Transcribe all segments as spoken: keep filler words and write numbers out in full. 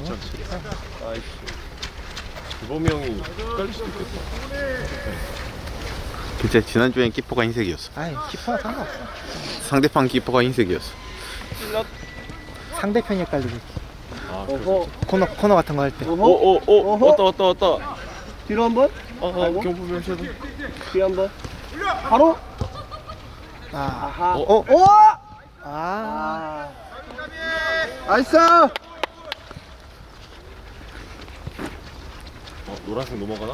아이씨. 주범이 형이 헷갈릴 수도 있겠다. 진짜 지난주엔 키퍼가 흰색이었어. 아이 키퍼가 상관없어. 상대방 키퍼가 흰색이었어. 상대편이 헷갈리고. 아, 어허. 코너 코너 같은 거 할 때. 어허. 오오오 어허. 왔다 왔다 왔다. 뒤로 한 번. 어, 아이고. 경보면 셔도. 뒤에 한 번. 바로. 아. 아하. 어? 어? 오! 아. 아. 나이스! 어, 노란색 넘어가나?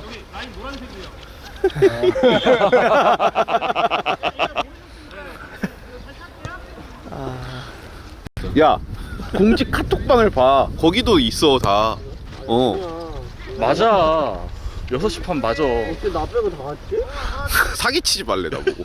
야, 공식 카톡방을 봐. 거기도 있어 다. 어. 맞아. 여섯 시 반 맞아. 어째 나 빼고 다 갔지? 사기치지 말래 나보고.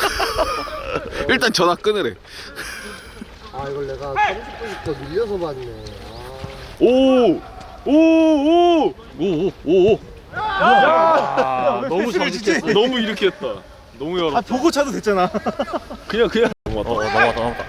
일단 전화 끊으래. 아 이걸 내가 삼십 분부터 밀려서 봤네. 오! 오! 오! 오오오오. 야, 너무 정직했어. 너무 이렇게 했다. 너무 열어. 아 보고 차도 됐잖아. 그냥 그냥 어, 넘어갔다. 넘어갔다 넘어갔다.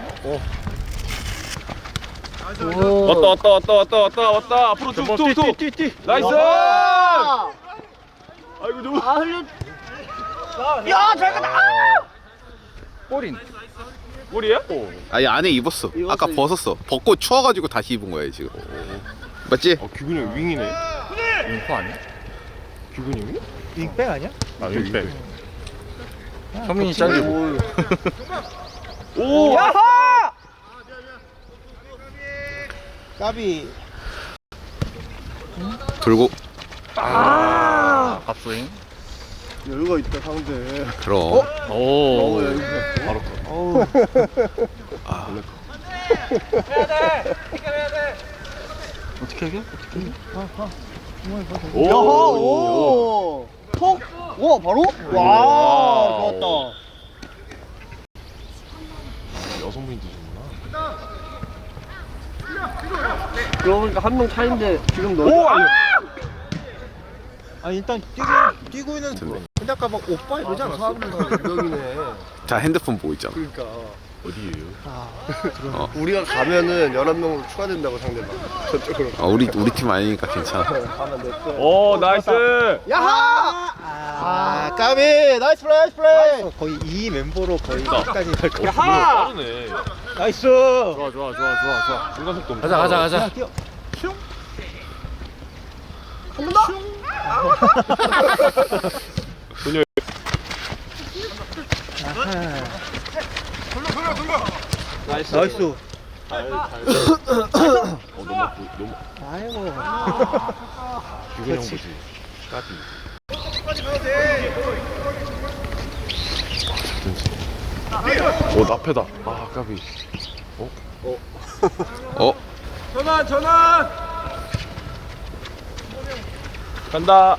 오. 왔다 왔다 왔다 왔다 왔다 왔다. 앞으로 툭툭툭. 뛰뛰뛰. 나이스! 아, 아이고 너무. 아 흘려. 야, 잘 갔다. 골인. 골이야? 아니 안에 입었어. 입었어, 아까 입- 벗었어. 벗고 추워가지고 다시 입은 거야 지금. 맞지? 아 규근이 형 윙이네. 윙포 아니야? 규근이 형이? 윙백 아니야? 아 윙백. 현민이 잘리고. 오! 야하! 까비. 돌고 아. 갑스윙. 여유가 있다 상대. 그럼. 오. 바로 어우. 어떻게 해결? 오! 야하! 오! 톡! 와 바로? 와 좋았다. 여성분이 드시구나. 그러고 보니까 한 명 차인데 지금 너. 오! 아니. 아 일단 뛰고 뛰고 있는. 근데 아까 막 오빠 이러지 않았어? 유명이네. 자 핸드폰 보고 있잖아. 그러니까 어디예요? 아. 우리가 가면은 열한 명으로 추가된다고 상대방. 저쪽으로. 아, 우리 우리 팀 아니니까 괜찮아. 가면 됐어. 오 나이스! 야하! 아, 까비. 나이스 플레이, 나이스 플레이. 거의 이 멤버로 거의 끝까지 갈 거. 야하! 빠르네. 나이스. 좋아 좋아 좋아 좋아 좋아. 순간 속도 엄청 가자 가자 빨라. 가자. 뛰어. 슝. 한 번 더? 소녀. 아하. 나이스. 나이스. 잘, 잘. 어 너무 너무 아이고. 규근이 형 보지. 까비. 오 나패다. 아 까비. 어? 전환 전환. 간다.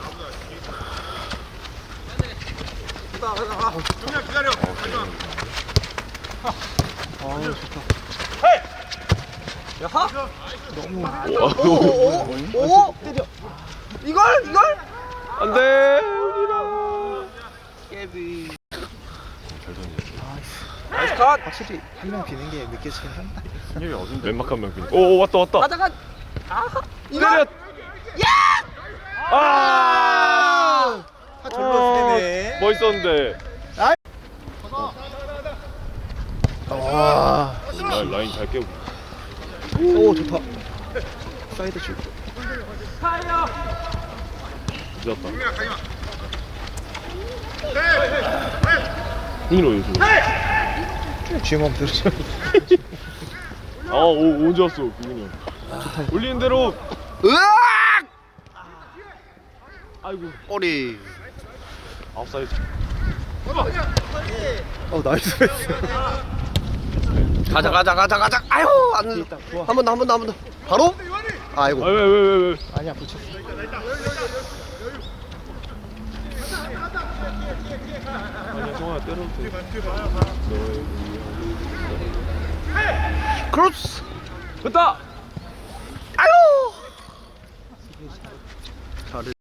아, 좋다. 오! 때려. 이걸? 이걸? 안돼. 깨비. 잘 던졌어. 나이스 컷. 확실히 한 명 비는 게 느껴지긴 한다. 승률이 어딘데? 왼막 한 명. 오, 오 왔다 왔다. 가다가 아하. 때려. 아! 아, 절로 세네. 멋있었는데. 와. 라, 라인 잘 깨고. 오, 좋다. 사이드 슛. 늦었다. 흥이로 요즘. 주먹 들죠. 아, 오, 언제 왔어, 규근이 형. 올리는 대로. 으악! 아이고, 꼬리. 아웃사이드. 어, 나이스 패스. 가자 가자 가자 가자. 아유 안 뒤에 돼. 있다. 좋아. 한 번 더 한 번 더 한 번 더. 바로? 아이고. 아, 왜, 왜, 왜, 왜. 아니야, 붙였어. 아니야, 성아야, 때려도 돼. 너의 크로스. 됐다! 아유. 잘해.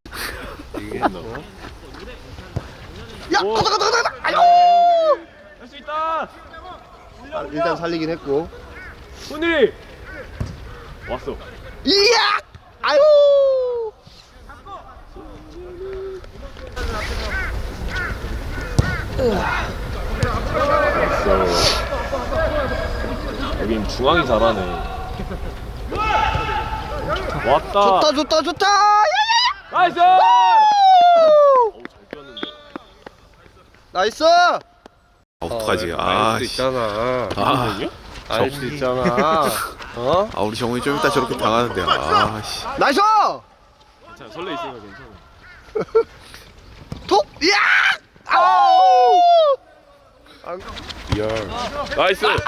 야 오. 가자 가자 가자 가자. 아유. 할 수 있다! 아, 일단 살리긴 했고. 손이! 왔어. 이야. 아유. 여긴 중앙이 잘하네. 왔다. 좋다 좋다 좋다. 나이스! 어우, 잘 뛰었는데. 나이스. 어떡하지? 아, 아, 알수 씨. 있잖아. 아, 알 수 있잖아. 어? 아, 우리 정훈이 좀 이따 저렇게 당하는데. 아, 씨. 나이스. 괜찮아, 설레 있으니까 괜찮아. 톡. 야! 아우! 안- 나이스! 아유!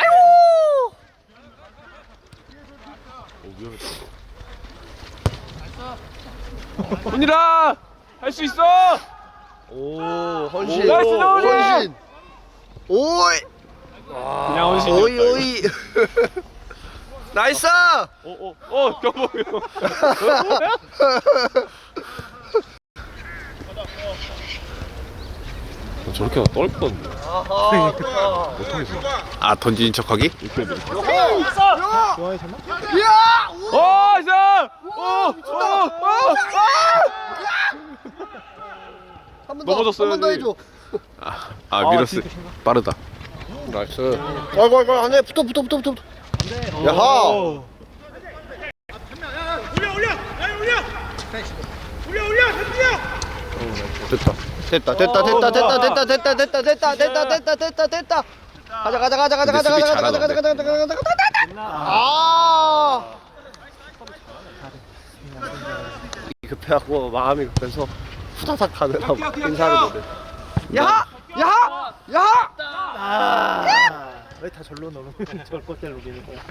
오, 위험했다. 훈이라! 할 수 있어! 오, 헌신. 오, 나이스, 나오네! 헌신. 오이. 그냥 헌신이었다. 오이 오이. 나이스. 어, 어, 어, 경범이 형. 저렇게 하다 떨 뻔했네. 아, 던지는 척하기? 이렇게 돼. 좋아해 설마? 야! 어, 이제! 어, 어, 어, 한번 더. 넘어졌어요, 한번 더 이제. 해줘. 아, 아 밀었어. 빠르다. 나이스. 아이고 아이고 안에 붙어 붙어 붙어 붙어. 야하. 됐다. 됐다 됐다 됐다 됐다 됐다 됐다 됐다 됐다 됐다 됐다 됐다 됐다. 가자 가자 가자 가자 가자 근데 가자 수비 가자 가자 가자 가자 가자 가자 가자. 아. 급해하고 마음이 급해서 후다닥 가느라고 인사를 못해. 야하 야하 야하. 아, 왜 다 절로 넣으면 저걸 꼴대로 노리는 거야?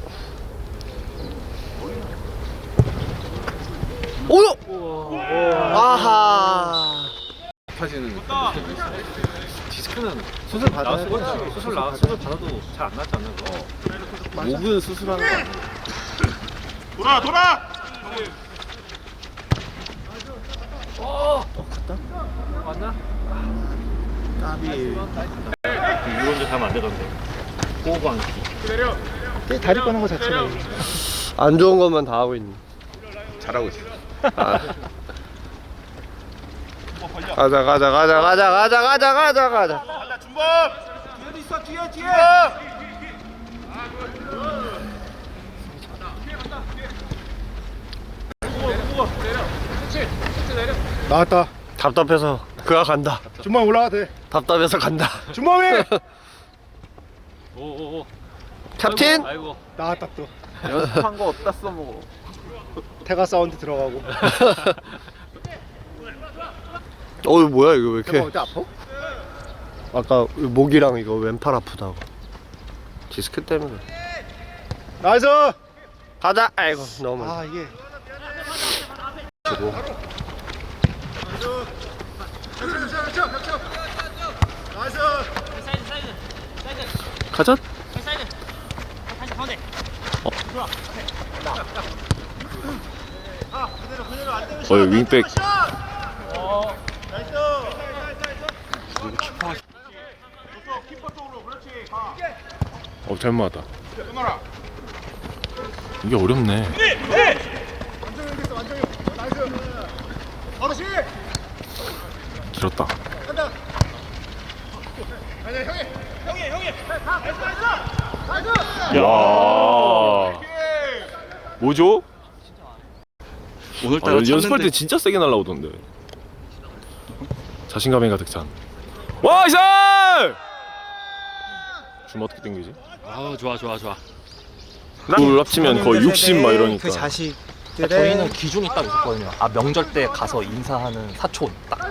오요. 아하. 파지는 디스크는 수술 받아야 돼. 수술 나 수술 받아도 잘 안 낫지 않나 그거? 목은 수술하는 거 아니야? 돌아, 돌아! 맞나? 까비. 이런 데 가면 안 되던데. 호흡 안 키. 다리 꺼는 거 자체가 안 좋은 것만 다 하고 있는. 잘하고 있어. 아. 가자 가자 가자 가자 가자 가자 가자 가자. 나왔다. 답답해서 그가 간다. 주먹 올라가 돼. 답답해서 간다. 주먹이 오오오. 캡틴. 아이고. 나왔다 또. 연습한 거 어디다 써먹어? 태가 사운드 들어가고. 어 이거 뭐야 이거 왜 태가 이렇게? 어디 아파? 아까 목이랑 이거 왼팔 아프다고. 디스크 때문에. 나이스. 가자. 아이고 너무. 아 이게 가자. 어, 여기 윙백. 어, 잘 맞았다. 이게 어렵네. 길었다. 야, 뭐죠? 아, 오늘따라 연- 연습할 찾는데 때 진짜 세게 날라오던데. 자신감에 가득 찬. 와, 이살! 줌 어떻게 당기지? 아 좋아 좋아 좋아. 둘 합치면 거의 육십 막 이러니까. 그 자식. 저희는 기준이 딱 있었거든요. 아 명절 때 가서 인사하는 사촌 딱.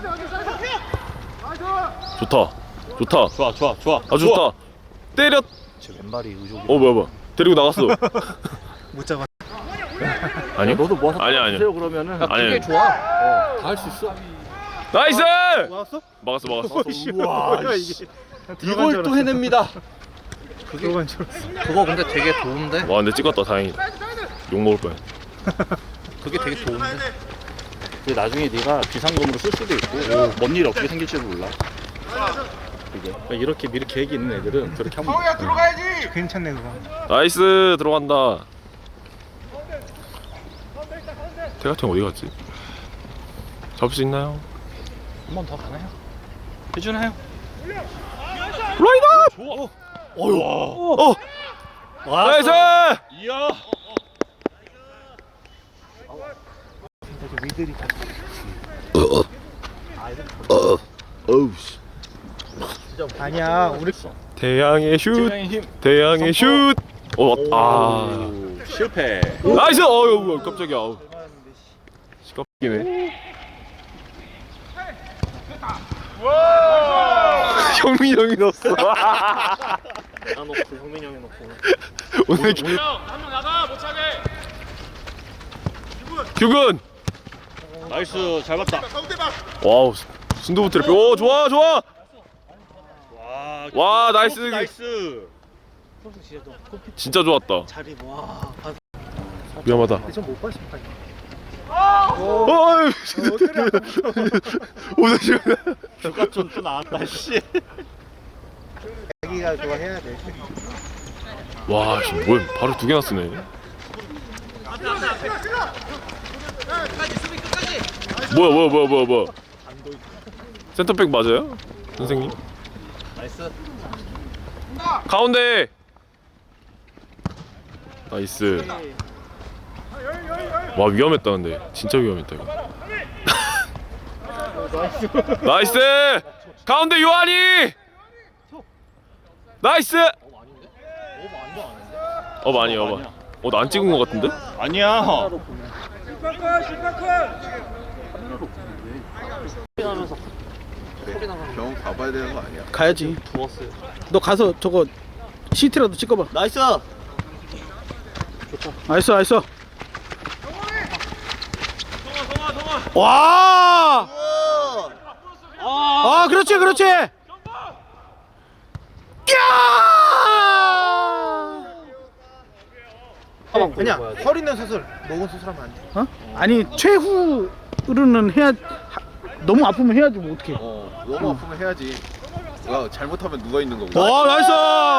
좋다. 좋다. 좋아 좋아 좋아. 아, 좋다. 때렸. 제 왼발이 의족이. 어, 뭐야, 뭐야. 데리고 나갔어. 못 잡아. 아니요? 너도 뭐 하나 아니야, 아니야. 하세요 그러면은. 아니, 아니. 좋아. 어, 다 할 수 있어. 나이스! 나왔어? 막았어, 막았어. 우와 이게. 이걸 또 해냅니다. 그거간 줄 알았어. 그거 근데 되게 좋은데. 와, 근데 찍었다. 다행이다. 욕 먹을 뻔. 그게 되게 좋은데. 근데 나중에 네가 비상금으로 쓸 수도 있고 뭔 일이 어떻게 생길지도 몰라. 그게 이렇게 미리 계획이 있는 애들은 그렇게 하면 돼. 괜찮네 그거. 나이스 들어간다. 태가청 어디 갔지? 잡을 수 있나요? 한 번 더 가나요? 해주나요? 라이더! 좋아. 어휴. 어! 나이스! 이야. 미들이 어우 씨. 아니야 우리 대양의 슛! 팀장의 힘. 대양의 슛! 어, 아. 오, 실패. 나이스! 어휴, 깜짝이야. 어우. 시끄럽기네. 형민이 형이 넣었어. 나 놓고 형민이 형이 놓고. 오늘 기... 규근! 나이스. 잘 봤다. 와우, 순두부 트래핑. 오, 좋아, 좋아! 와. 와, 나이스. 나이스. 진짜 너 커피 진짜 좋았다. 자리 와. 위험하다. 좀못 봤을까? 어이, 오늘 지금 누가 좀또 나왔다 씨. 자기가 좋아해야 돼. 와, 지금 뭐야? 바로 두 개나 쓰네. 뭐야, 뭐야, 뭐야, 뭐야, 뭐야? 센터백 맞아요, 선생님? 나이스. 가운데. 나이스. 와, 위험했다 근데 진짜 위험했다 이거. 나이스. 가운데 요한이. 나이스. 어 많이 어 많이. 어 나 안 찍은 거 같은데? 아니야. 병원 가봐야 되는 거 아니야? 가야지. 부었어요. 너 가서 저거 시트라도 찍어봐. 나이스. 나이스 나이스. 와. 아 그렇지 그렇지. 야. 그냥 허리 있는 수술, 목은 수술하면 안 돼. 어? 아니 최후로는 해야 하- 너무 아프면 해야지 뭐 어떻게? 어 너무 아프면 해야지. 야 잘못하면 누가 있는 거고. 와 나이스.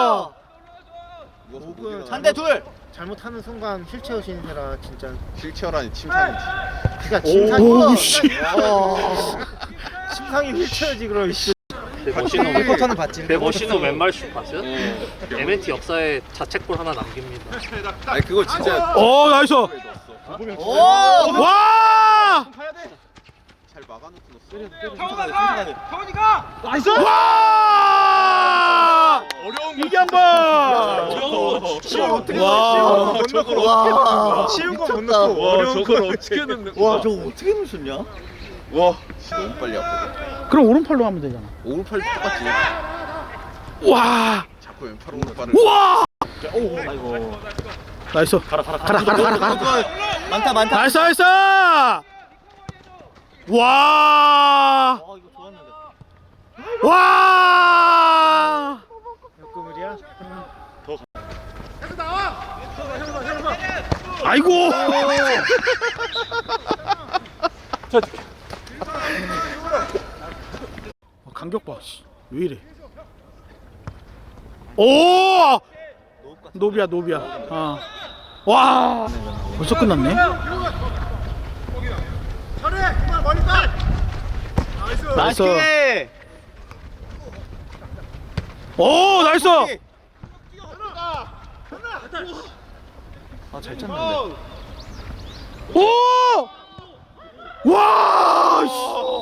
목은 한대 둘. 잘못하는 순간 휠체어 신세라 진짜. 휠체어라니 침상이지. 그러니까 침상이. 오, 씨. 침상이 휠체어지 그럼. 씨. 멋있는 리포터는 봤지. 멋있는 왼발 슛 봤어요? 엠엔티 역사에 자책골 하나 남깁니다. 아니 그거 진짜 오 나이스. 와. 잘 막아놓고 넣었어. 나이스. 와. 어려운 이게 한 번. 쉬운 어떻게 와. 못 넣고. 쉬운 거 못 넣고. 와 저걸 어떻게 넣는 거야? 와 저거 어떻게 넣으셨냐? 와 너무 빨리 아프다. 그럼 오른팔로 하면 되잖아. 오른팔 똑같지. 와. 자꾸 왼팔 오른팔을. 와. 아이고. 나이스. 가라 가라 가라 가라 가라. 많다 많다. 나이스 나이스. 와. 어 이거 좋았는데. 와. 역금을이야? 아이고. 간격 봐. 씨. 왜 이래? 오! 노비야 노비야. 아. 와. 벌써 끝났네. 나이스. 오 나이스. 아잘 찼는데. 오! 와! 씨.